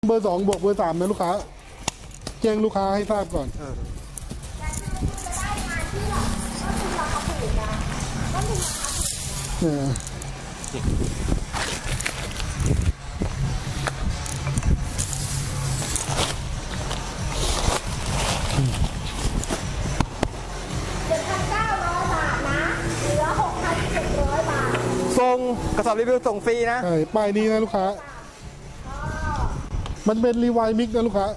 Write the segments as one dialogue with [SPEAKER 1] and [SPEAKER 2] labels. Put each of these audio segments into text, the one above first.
[SPEAKER 1] เบอร์ 2 บวกเบอร์ 3นะลูกค้าแจ้งลูกค้าให้ทราบก่อน
[SPEAKER 2] ส่งกระสอบรีวิวส่งฟรีนะ
[SPEAKER 1] ใช่ป้ายนี้นะลูกค้ามันเป็นรีไวมิกนะลูกค้า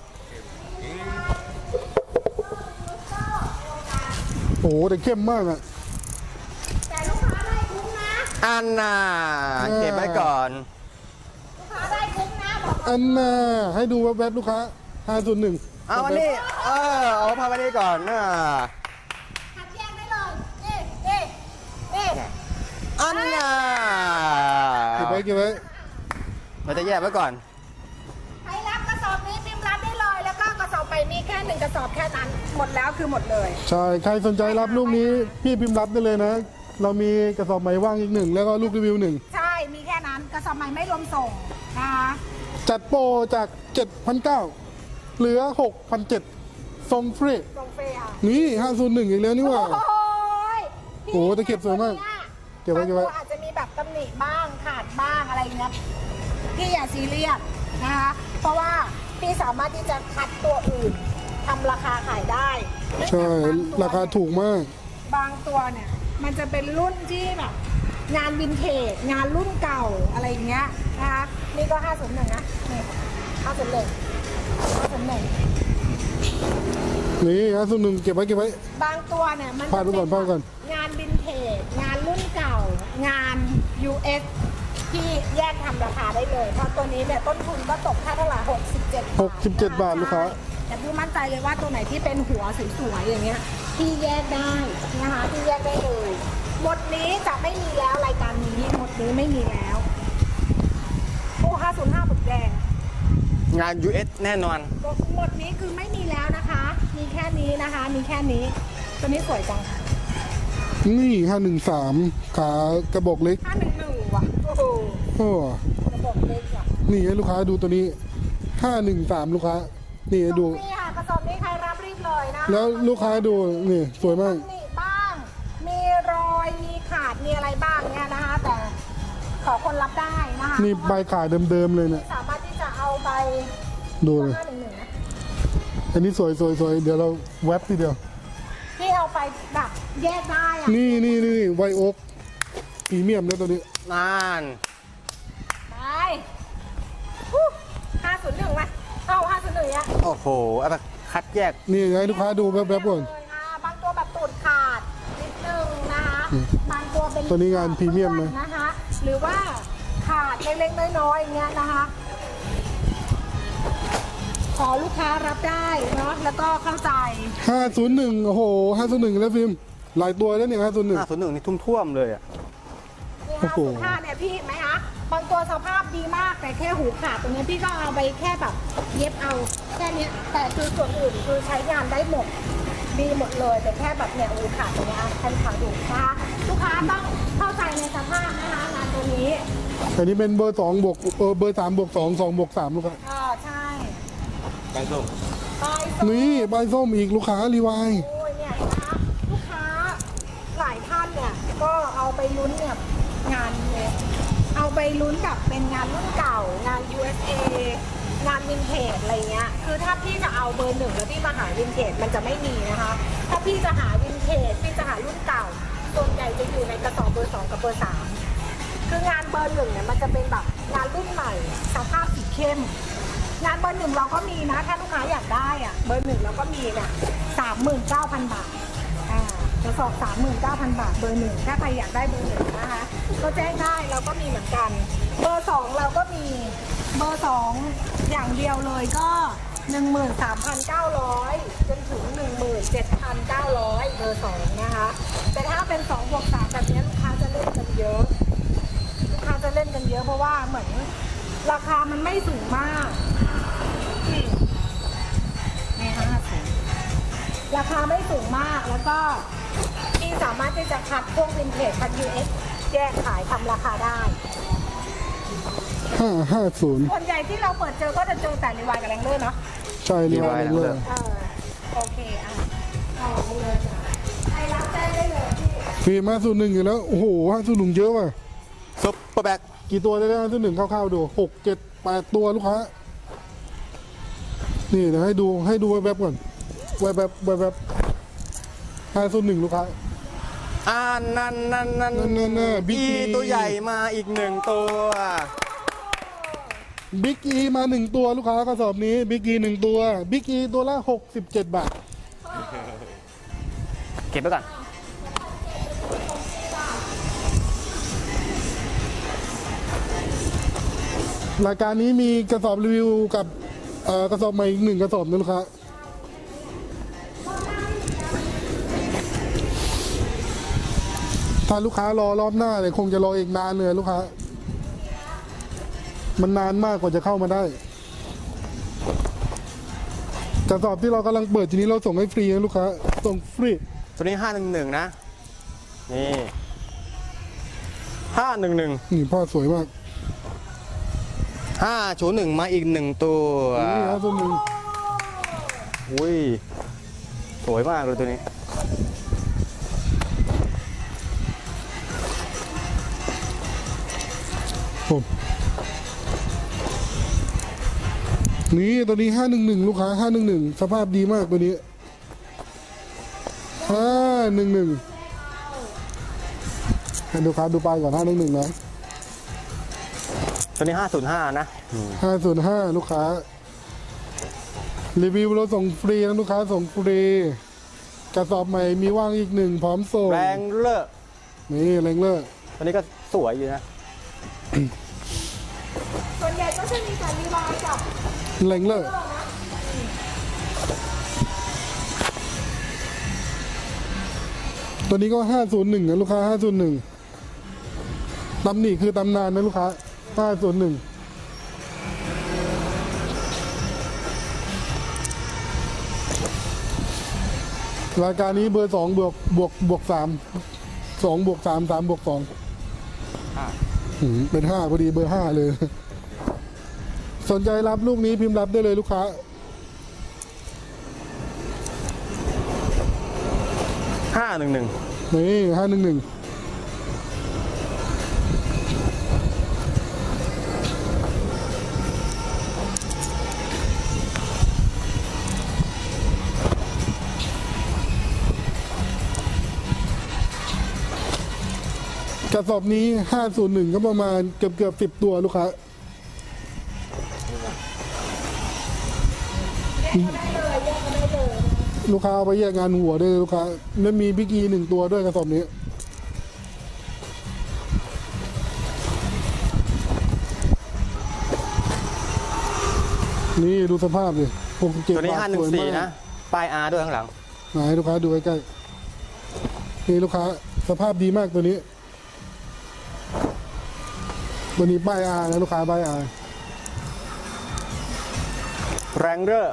[SPEAKER 1] โอ้โหแต่เข้มมากอะ
[SPEAKER 3] แต่ลูกค้าได้คุ้มนะ
[SPEAKER 2] อันน่ะเก็บไว้ก่อน
[SPEAKER 3] ลูกค้าได้คุ้มนะบอก
[SPEAKER 1] อันน่ะให้ดูแวบๆลูกค้า501
[SPEAKER 2] เอาวันนี้เอาพาวันนี้ก่อนนะ
[SPEAKER 3] หัดแยกได้เลยนี่
[SPEAKER 2] อันน่ะ
[SPEAKER 1] เก็บไว้
[SPEAKER 2] เราจะแยกไว้ก่อน
[SPEAKER 3] ใครรับกระสอบนี้พิมพ์รับได้เลยแล้วก็กระสอบไปมีแค่1กระสอบแค่นั้นหมดแล้วคือหมดเลย
[SPEAKER 1] ใช่ใครสนใจรับลูกนี้พี่พิมพ์รับได้เลยนะเรามีกระสอบใหม่ว่างอีก1แล้วก็ลูกรีวิว1
[SPEAKER 3] ใช่มีแค่นั้นกระสอบใหม่ไม่รวมส่งนะคะ
[SPEAKER 1] จัดโปรจาก 7,900 เหลือ 6,700 ส่งฟรี
[SPEAKER 3] ส่งฟรีค่ะ
[SPEAKER 1] นี่501อีกแล้วนี่ว่าโอ้โหแต่เก็บสวยมากเก็บไว้
[SPEAKER 3] อาจจะมีแบบตำหนิบ้างขาดบ้างอะไรเงี้ยพี่อย่าซีเรียสนะคะเพราะว่าพี่สามารถที่จะคัดตัวอื่นทำราคาขายได้
[SPEAKER 1] ใช่ราคาถูกมาก
[SPEAKER 3] บางตัวเนี่ยมันจะเป็นรุ่นที่แบบงานวินเทจงานรุ่นเก่าอะไรเงี้ยนะคะนี่ก็501นะนี่501
[SPEAKER 1] นี่501เก็บไว้
[SPEAKER 3] บางตัวเนี่ยมัน
[SPEAKER 1] พาดก่อน
[SPEAKER 3] งานวินเทจงานรุ่นเก่างาน US ที่แยกทำราคาได้เลยเพราะตัวนี้เนี่ยต้นทุนก็ตกแค่เท่าไหร่
[SPEAKER 1] 67 บาทลูกค้า
[SPEAKER 3] แต่พี่มั่นใจเลยว่าตัวไหนที่เป็นหัวสวยๆอย่างเงี้ยพี่แยกได้นะคะพี่แยกได้เลยหมดนี้จะไม่มีแล้วรายการนี้หมดนี้ไม่มีแล้วโอ้505ปุกแดง
[SPEAKER 2] งาน US แน่นอน
[SPEAKER 3] หมดนี้คือไม่มีแล้วนะคะมีแค่นี้นะคะมีแค่นี้ตัวนี้สวยจัง
[SPEAKER 1] นี่513ขากระบอกเล็ก
[SPEAKER 3] 511ว่ะโอ้โหกระบอกเล็กอ่ะ
[SPEAKER 1] นี่ให้ลูกค้าดูตัวนี้513ลูกค้านี่ดู
[SPEAKER 3] นี่ค่ะกระสอบนี้ใครรับรีบเลยนะ
[SPEAKER 1] แล้วลูกค้าดูนี่สวยมาก
[SPEAKER 3] นี่บ้างมีรอยมีขาดมีอะไรบ้างเนี่ยนะคะแต่ขอคนรับได้นะคะ
[SPEAKER 1] นี่ใบขาดเดิมๆเลยเนี่ย
[SPEAKER 3] สามารถที่จะเอาไป
[SPEAKER 1] ดูเลยอันนี้สวยเดี๋ยวเราแว็บทีเดียว
[SPEAKER 3] ที่เอาไปแบบแยกได้อะ
[SPEAKER 1] นี่ไวโอ๊กพรีเมียมแล้วตัวนี้
[SPEAKER 2] นาน
[SPEAKER 3] ไป501มาเอา501อ่ะ
[SPEAKER 2] โอ้โหอะไรคัดแยก
[SPEAKER 1] นี่ให้ลูกค้าดูแป๊บๆก่อน
[SPEAKER 3] บางตัวแบบตูดขาดนิดนึงนะคะบางตัวเป็น
[SPEAKER 1] ตัวนี้งานพรีเมียม
[SPEAKER 3] นะคะหรือว่าขาดเล็กๆน้อยๆอย่างเงี้ยนะคะขอลูกค้ารับได้เนาะแล้วก็เข้าใจ
[SPEAKER 1] 501โอ้โห501แล้วฟิล์มหลายตัวแล้วเนี่ย501
[SPEAKER 2] นี่ท่วมเลยอ่ะ
[SPEAKER 3] นี่505เนี่ยพี่เห็นไหมคะบางตัวสภาพดีมากแต่แค่หูขาดตรงนี้พี่ก็เอาไปแค่แบบเย็บเอาแค่นี้แต่คือส่วนอื่นคือใช้งานได้หมดดีหมดเลยแต่แค่แบบเนี่ยหูขาดตรงนี้แค่ขาดูนะคะลูกค้าต้องเข้าใจในสภาพนะคะงานตัวนี้
[SPEAKER 1] อันนี้เป็นเบอร์2บวกเบอร์3บวก2 2บวก3ลูกค้า
[SPEAKER 3] ใช่
[SPEAKER 2] ใบส้ม
[SPEAKER 1] นี่ใบส้มอีกลูกค้ารีไว
[SPEAKER 3] โอ้ยเนี่ยนะลูกค้าหลายท่านเนี่ยก็เอาไปลุ้นเนี่ยงานเนี่ยเอาไปลุ้นแบบเป็นงานรุ่นเก่างาน USA งานวินเทจอะไรเงี้ยคือถ้าพี่จะเอาเบอร์1แล้วพี่มาหาวินเทจมันจะไม่มีนะคะถ้าพี่จะหาวินเทจพี่จะหารุ่นเก่าส่วนใหญ่จะอยู่ในกระสอบเบอร์2กับเบอร์3คืองานเบอร์1เนี่ยมันจะเป็นแบบงานรุ่นใหม่สภาพสีเข้มงานเบอร์1เราก็มีนะถ้าลูกค้าอยากได้อะเบอร์1เราก็มีเนี่ย39,000 บาทกระสอบ39,000 บาทเบอร์1ถ้าใครอยากได้เบอร์1นะคะก็แจ้งได้เราก็มีเหมือนกันเบอร์2เราก็มีเบอร์2อย่างเดียวเลยก็ 13,900 จนถึง 17,900 เบอร์2นะคะแต่ถ้าเป็น2บวก3แบบนี้ลูกค้าจะเล่นกันเยอะเพราะว่าเหมือนราคามันไม่สูงมากใน50ราคาไม่สูงมากแล้วก็ที่สามารถที่จะคัดพวกวินเทจคัด US แยกขายทำราคาได้
[SPEAKER 1] 550
[SPEAKER 3] ส่วนใหญ่ที่เราเปิดเจอก็จะเจอแต่รีวายกับแรงเลอร์เนาะ
[SPEAKER 1] ใช่เลยว่าเลย
[SPEAKER 3] โอเคเอาเลยจ้ะใครรับแจ้งได้เลยพี่
[SPEAKER 1] ฟิล์ม501อยู่แล้วโอ้โห501เยอะว่ะ
[SPEAKER 2] ซุปเปอร์แบ็ก
[SPEAKER 1] กี่ตัวได้501คร่าวๆดู6 7 8ตัวลูกค้านี่เดี๋ยวให้ดูแวบๆก่อนแวบ501ลูกค้า
[SPEAKER 2] นั่น
[SPEAKER 1] นั่นบิ๊ก
[SPEAKER 2] อีตัวใหญ่มาอีก1ตัว
[SPEAKER 1] บิ๊กอีมา1ตัวลูกค้ากระสอบนี้บิ๊กอี1ตัวบิ๊กอีตัวละ67 บาท
[SPEAKER 2] เก็บไว้ก่อน
[SPEAKER 1] รายการนี้มีกระสอบรีวิวกับกระสอบใหม่อีก1กระสอบนะลูกค้าถ้าลูกค้ารอรอบหน้าเลยคงจะรออีกนานเลยลูกค้ามันนานมากกว่าจะเข้ามาได้กระสอบที่เรากำลังเปิดทีนี้เราส่งให้ฟรีนะลูกค้าส่งฟรี
[SPEAKER 2] ตัวนี้511นะนี่511
[SPEAKER 1] นี่ผ้าสวยมาก
[SPEAKER 2] 501มาอีก1ตัว
[SPEAKER 1] นี่ครับตัวหนึ่ง
[SPEAKER 2] อุ้ยสวยมากเลยตัวนี้
[SPEAKER 1] ผมนี่ตัวนี้511ลูกค้า511สภาพดีมากตัวนี้511ให้ลูกค้าดูป้ายก่อน511นะ
[SPEAKER 2] ตัวนี้505นะ
[SPEAKER 1] 505ลูกค้ารีวิวเราส่งฟรีนะลูกค้าส่งฟรีกระสอบใหม่มีว่างอีก1พร้อมส่ง
[SPEAKER 2] แรงเลอร์
[SPEAKER 1] นี่แรงเลอร์
[SPEAKER 2] ตัวนี้ก็สวยอยู่นะ
[SPEAKER 3] ส่วนใหญ่ก็จะมีแต่รีวายกับ
[SPEAKER 1] แรงเลอร์ตัวนี้ก็501นะลูกค้า501ตำหนิคือตำนานนะลูกค้า501รายการนี้เบอร์2บวก3 2บวก3 3บวก2เป็น5พอดีเบอร์5เลย สนใจรับลูกนี้พิมพ์รับได้เลยลูกค้า
[SPEAKER 2] 511
[SPEAKER 1] นี่511กระสอบนี้501ก็ประมาณเกือบ10ตัวลูกค้าลูกค้าเอาไปแยกงานหัวด้วยลูกค้าแล้วมีบิ๊กอี1ตัวด้วยกระสอบนี้นี่ดูสภาพดิ67
[SPEAKER 2] ตัวนี้
[SPEAKER 1] บาทสวยมาก
[SPEAKER 2] 514นะป้าย R ด้วยข้างหลัง
[SPEAKER 1] ไหนลูกค้าดูใกล้ๆนี่ลูกค้าสภาพดีมากตัวนี้ป้ายอานะลูกค้าป้ายอา
[SPEAKER 2] แรงเลอร์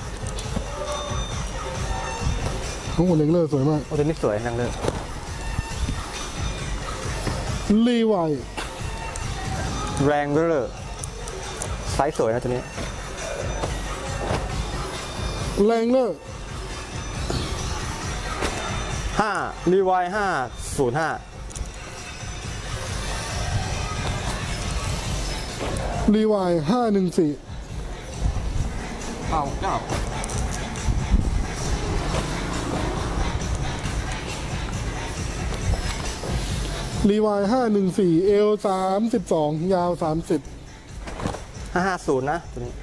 [SPEAKER 1] ทั้งหมดเลงเลอร์สวยมาก
[SPEAKER 2] โอ้ตัวนี้สวยแรงเลอร์
[SPEAKER 1] รีไว
[SPEAKER 2] แรงเลอร์ไซส์สวยนะตัวนี้
[SPEAKER 1] แรงเลอร์
[SPEAKER 2] 5รีไว505
[SPEAKER 1] รีไว514
[SPEAKER 2] เอาเจ้า
[SPEAKER 1] รีไว514เอล32ยาว30
[SPEAKER 2] 550นะตัวนี้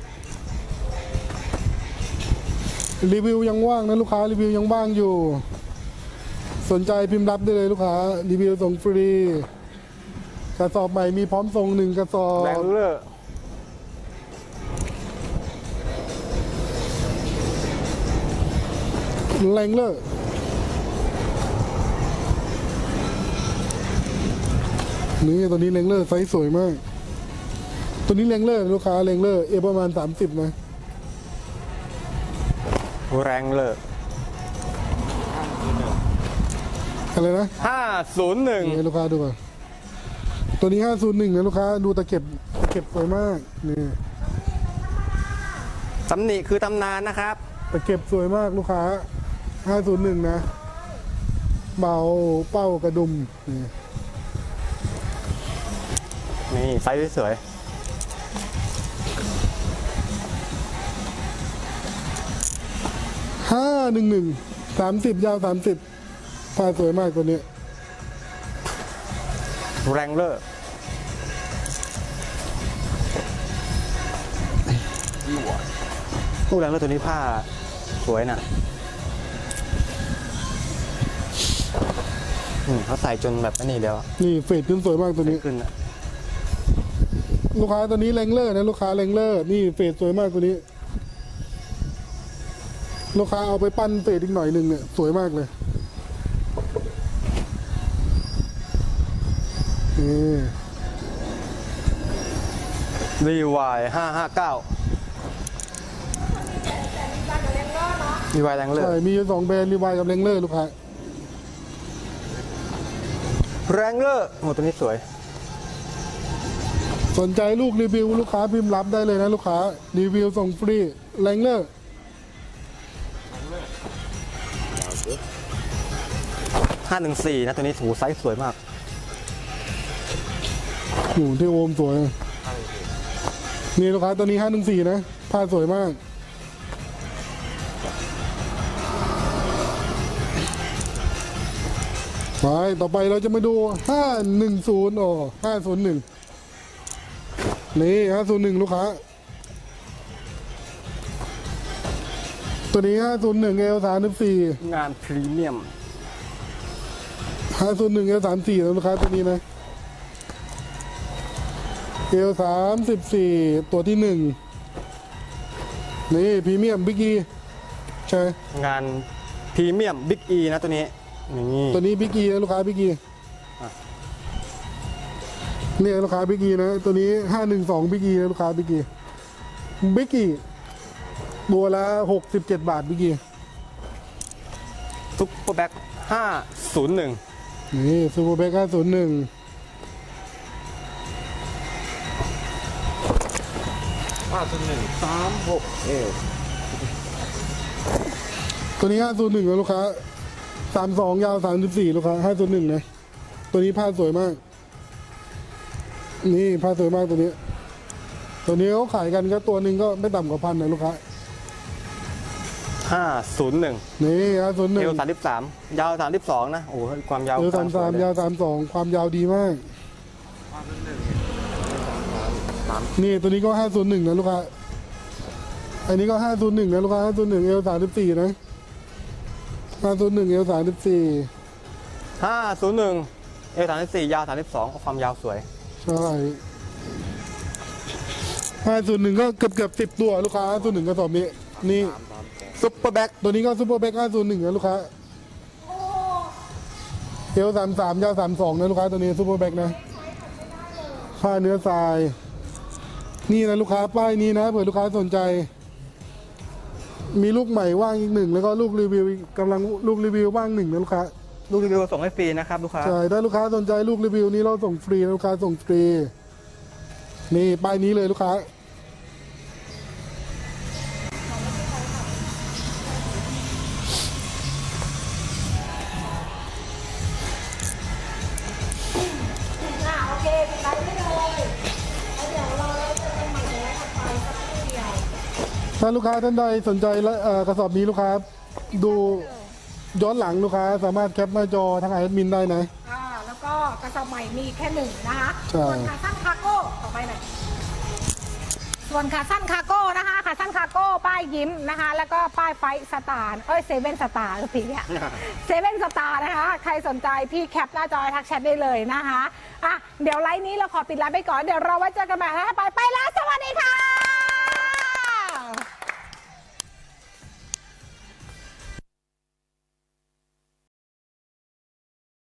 [SPEAKER 1] รีวิวยังว่างนะลูกค้ารีวิวยังว่างอยู่สนใจพิมพ์รับได้เลยลูกค้ารีวิวส่งฟรีกระสอบใหม่มีพร้อมส่ง1กระสอบ
[SPEAKER 2] แรงเลอร์
[SPEAKER 1] แรงเลอร์นี่ตัวนี้แรงเลอร์ไซส์สวยมากตัวนี้แรงเลอร์ลูกค้าแรงเลอร์ประมาณ30นะ
[SPEAKER 2] แรงเลอร์
[SPEAKER 1] อะไรนะ
[SPEAKER 2] 501
[SPEAKER 1] ให้ลูกค้าดูก่อนตัวนี้501นะลูกค้าดูตะเข็บเก็บสวยมากนี่
[SPEAKER 2] ตำหนิคือตำนานนะครับ
[SPEAKER 1] ตะเก็บสวยมากลูกค้า 501 นะ เบาเป้ากระดุมนี่
[SPEAKER 2] นี่ไซส์สวย
[SPEAKER 1] 511 30 ยาว 30ผ้าสวยมากตัวนี้
[SPEAKER 2] แรงเลอร์ผู้แรงเลอร์ตัวนี้ผ้าสวยนะเขาใส่จนแบบนี้เดียวอะ
[SPEAKER 1] นี่เฟดขึ้นสวยมากตัวนี้
[SPEAKER 2] ขึ้นอะ
[SPEAKER 1] ลูกค้าตัวนี้แรงเลอร์นะลูกค้าแรงเลอร์นี่เฟดสวยมากตัวนี้ ลูกค้าเอาไปปั้นเฟดอีกหน่อยหนึ่งเนี่ยสวยมากเลยนี่
[SPEAKER 2] รีวาย559รีวายแรงเลอร์
[SPEAKER 1] ใช่มีอยู่2แบรนด์รีวายกับแรงเลอร์ลูกค้า
[SPEAKER 2] แรงเลอร์โอ้ตัวนี้สวย
[SPEAKER 1] สนใจลูกรีวิวลูกค้าพิมพ์รับได้เลยนะลูกค้ารีวิวส่งฟรีแรงเลอร์
[SPEAKER 2] 514นะตัวนี้ถูไซส์สวยมาก
[SPEAKER 1] โอ้โหที่โอมสวยนี่ลูกค้าตัวนี้514นะผ้าสวยมากไปต่อไปเราจะมาดู510501นี่501ลูกค้าตัวนี้501 L34
[SPEAKER 2] งานพรีเมียม
[SPEAKER 1] 501 L34 นะลูกค้าตัวนี้นะ L34 ตัวที่1นี่พรีเมียมบิ๊กอีใช่
[SPEAKER 2] งานพรีเมียมบิ๊กอีนะตัวนี้นี่
[SPEAKER 1] ตัวนี้บิ๊กอีนะลูกค้าบิ๊กอี
[SPEAKER 2] อ่ะ
[SPEAKER 1] เนี่ยลูกค้าบิ๊กอีนะตัวนี้512บิ๊กอีนะลูกค้าบิ๊กอีบิ๊กอีตัวละ67 บาทบิ๊กอี
[SPEAKER 2] ซุปเปอร์แบ็ค501
[SPEAKER 1] นี่ซูเปอร์แบ็ค501 ตัวนี้501นะลูกค้า32ยาว34ลูกค้า501นะตัวนี้ผ้าสวยมากนี่ผ้าสวยมากตัวนี้เขาขายกันก็ตัวหนึ่งก็ไม่ต่ำกว่า1,000นะลูกค้า
[SPEAKER 2] 501
[SPEAKER 1] นี่501
[SPEAKER 2] เอว33ยาว32นะโอ้โหความยาว
[SPEAKER 1] เอว
[SPEAKER 2] กลงสวย
[SPEAKER 1] 33
[SPEAKER 2] เลย
[SPEAKER 1] ยาว32ความยาวดีมากนี่ตัวนี้ก็501นะลูกค้าอันนี้ก็501นะลูกค้า501เอว34นะ501เอว34
[SPEAKER 2] 501เอว34ยาว32ความยาวสวย
[SPEAKER 1] ใช่501ก็เกือบ10ตัวลูกค้า501ก็สอบนี้นี่
[SPEAKER 2] ซุปเปอร์แบ็ค
[SPEAKER 1] ตัวนี้ก็ซูเปอร์แบ็ค501นะลูกค้าเอว33ยาว32นะลูกค้าตัวนี้ซูเปอร์แบ็คนะผ้าเนื้อทรายนี่นะลูกค้าป้ายนี้นะเผื่อลูกค้าสนใจมีลูกใหม่ว่างอีก1แล้วก็ลูกรีวิวกำลังลูกรีวิวว่าง1นะลูกค้า
[SPEAKER 2] ลูกรีวิวส่งให้ฟรีนะครับลูกค้า
[SPEAKER 1] ใช่ถ้าลูกค้าสนใจลูกรีวิวนี้เราส่งฟรีนะลูกค้าส่งฟรีนี่ป้ายนี้เลยลูกค้า
[SPEAKER 3] โอเคปิดไลฟ์ได้เลยแล้วเดี๋ยวเราจะเป็นใหม่ในไลฟ์ถัดไปสักครู่เดียว
[SPEAKER 1] ถ้าลูกค้าท่านใดสนใจและกระสอบนี้ลูกค้าดูย้อนหลังลูกค้าสามารถแคปหน้าจอทางแอดมินได้นะ
[SPEAKER 3] แล้วก็กระสอบใหม่มีแค่1นะคะ
[SPEAKER 1] ใช่
[SPEAKER 3] ส่วนขาสั้นคาร์โก้ต่อไปหน่อยส่วนขาสั้นคาร์โก้นะคะขาสั้นคาร์โก้ป้ายยิ้มนะคะ แล้วก็ป้ายไฟสตาร์เซเว่นสตาร์สีเนี่ยเซเว่นสตาร์นะคะใครสนใจพี่แคปหน้าจอทักแชทได้เลยนะคะอ่ะเดี๋ยวไลฟ์นี้เราขอปิดไลฟ์ไปก่อนเดี๋ยวเราไว้เจอกันใหม่นะไปแล้ว